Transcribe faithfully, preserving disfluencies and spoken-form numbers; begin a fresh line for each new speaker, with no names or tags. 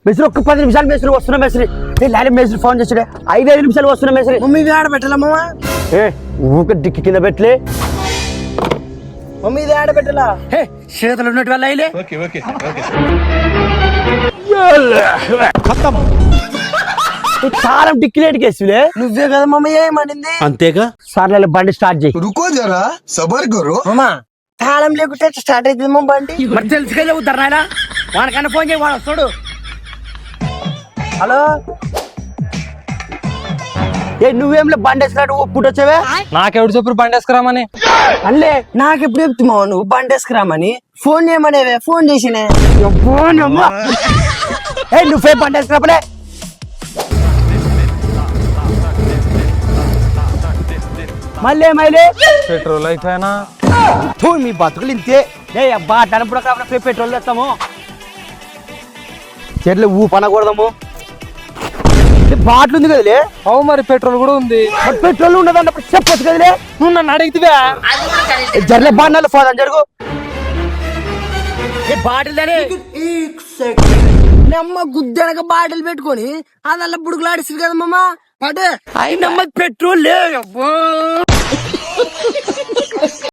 మెసరి ఒక్క పది నిమిషాలు మెసరి వస్తున్నా మెసరి లాలి మెసరి ఫోన్ చేసాడే ఐదు ఐదు నిమిషాలు వస్తున్నా మెసరి
మమ్మీ ఇది ఆడ పెట్టాలా మామ
ఏ ఊక డిక్కి కింద పెట్టలే
మమ్మీ ఇది ఆడ పెట్టాలా
హే చేతులు ఉన్నట్టు వల్ల అయిలే చాలా డిక్కిలేటికి వేసిలే
నువ్వే కదా మమ్మీ ఏమనింది
అంతేగా సార్లే బండి స్టార్ట్ చేయి
रुको जरा सबर करो
మామ తాళం లేకుంటే స్టార్ట్ అవుతుంది మా బండి
మరి తెలుసుకెళ్ళి ఉద్దరు నాయన వాడికన్నా ఫోన్ చేయి వాడు వస్తాడు
హలో
ఏ నువ్వేంలే బండి వేసినట్టు పుట్టి వచ్చావే
నాకెవడు చెప్పు బండి వేసుకురామని
అల్లే నాకు ఎప్పుడు చెప్తున్నావు నువ్వు బండి వేసుకురామని ఫోన్ చేయమనేవే ఫోన్ చేసినే
ఏ నువ్వే బండి వేసుకురాపలే మళ్ళీ మళ్ళీ
పెట్రోల్ అయిపోయినా
తూ మీ బతుకులు ఇంతే ఏ అబ్బా టనప్పుడు కాబట్టి పెట్రోల్ తెస్తాము చెట్లు ఊ పనకూడదాము బాటిల్ ఉంది కదలే
అవు మరి పెట్రోల్ కూడా ఉంది
మరి పెట్రోల్ ఉండదు అన్నప్పుడు చెప్పొచ్చు కదలే
నువ్వు నన్ను అడిగితే
జర్లే బాటిల్ పోదాం జరుగు బాటిల్
నమ్మ గుద్దెనక బాటిల్ పెట్టుకొని అదల్లా బుడుకులాడిస్తుంది కదా మామ అదే
అయినమ్మ పెట్రోల్ లే